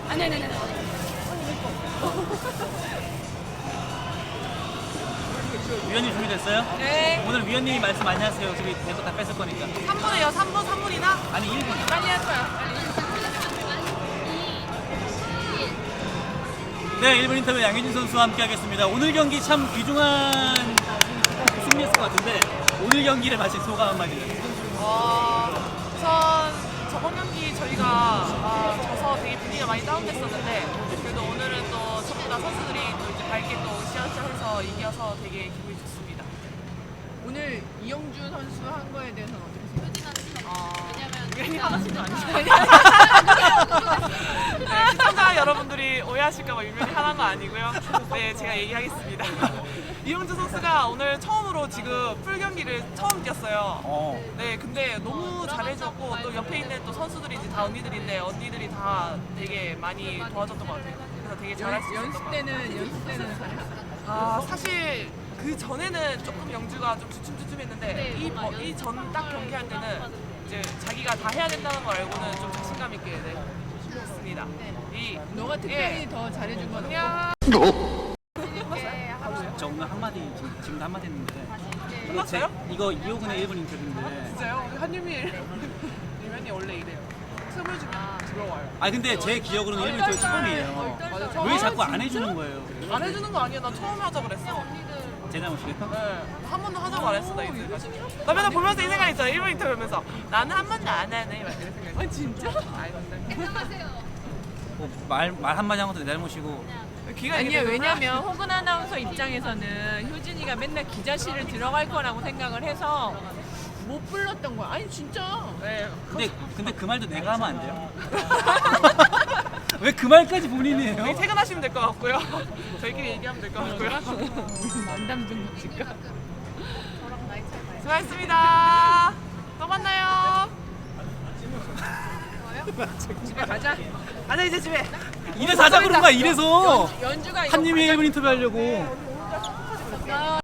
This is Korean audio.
아니. 위원님 준비됐어요? 네. 오늘 위원님이 말씀 많이 하세요. 어차피 내거 다 뺏을 거니까. 3분이요. 3분이나? 아니 1분. 많이 할 거야. 네, 1분 인터뷰 양효진 선수와 함께 하겠습니다. 오늘 경기 참 귀중한 승리였을 것 같은데 오늘 경기를 마친 소감 한마디. 우선 저번 경기 저희가 져서 되게 분위기가 많이 다운됐었는데 그래도 오늘은 또 전부 다 선수들이 또 이제 밝게 또 시작해서 이겨서 되게 기분이 좋습니다. 오늘 이영주 선수 한 거에 대해서는 어떻게 생각하세요? 왜냐면 하나씩도 아니잖아요. 네, 시청자 여러분들이 오해하실까봐 유명히 하는 거 아니고요. 네, 제가 얘기하겠습니다. 이용주 선수가 오늘 처음으로 지금 풀 경기를 처음 뛰었어요. 네, 근데 너무 잘해줬고 또 옆에 있는 또 선수들이 이제 다 언니들인데 언니들이 다 되게 많이 도와줬던 것 같아요. 그래서 되게 잘할 수 있었던 것 같아요. 연습 때는 잘했어요. 사실 그 전에는 조금 영주가 좀 주춤주춤했는데 이 전 딱 경기할 때는 이제 자기가 다 해야 된다는 걸 알고는 좀 자신감 있게 했습니다. 너가 특별히 더 잘해준 건 그냥 저 오늘 한마디 지금도 한마디 했는데 끝났어요? 이거 이호근의 1분 인터뷰인데. 진짜요? 한유미 유면이 원래 이래요. 틈을 주면 들어와요. 아 근데 제 기억으로는 1분 인터뷰 처음이에요. 맞아, 왜 자꾸 안 해주는 거예요? 안 해주는 거 아니야? 나 처음에 하자 그랬어. 제 잘못이에요? 네, 한 번도 하자고 안 했어 나 이제까지. 나 맨날 보면서 이 생각 있잖아. 1분 인터뷰 보면서 나는 한 번도 안 하네 막 이런 생각. 아 진짜? 아니 근데 말 한마디 한 것도 내 잘못이고. 귀가 아니야, 왜냐면 호근 아나운서 입장에서는 효진이가 맨날 기자실을 들어갈 거라고 생각을 해서 못 불렀던 거야. 아니 진짜. 네. 근데 그 말도 내가 하면 안 돼요? 왜 그 말까지 본인이 해요? 여기 퇴근하시면 될 것 같고요. 저희끼리 얘기하면 될 것 같고요. 만담 좀 칠까? 수고하셨습니다. 또 만나요. 집에 가자. 가자 이제 집에. 이래서 하자 그런 거야, 이래서. 연주가 이거 한님이 1분 인터뷰 하려고.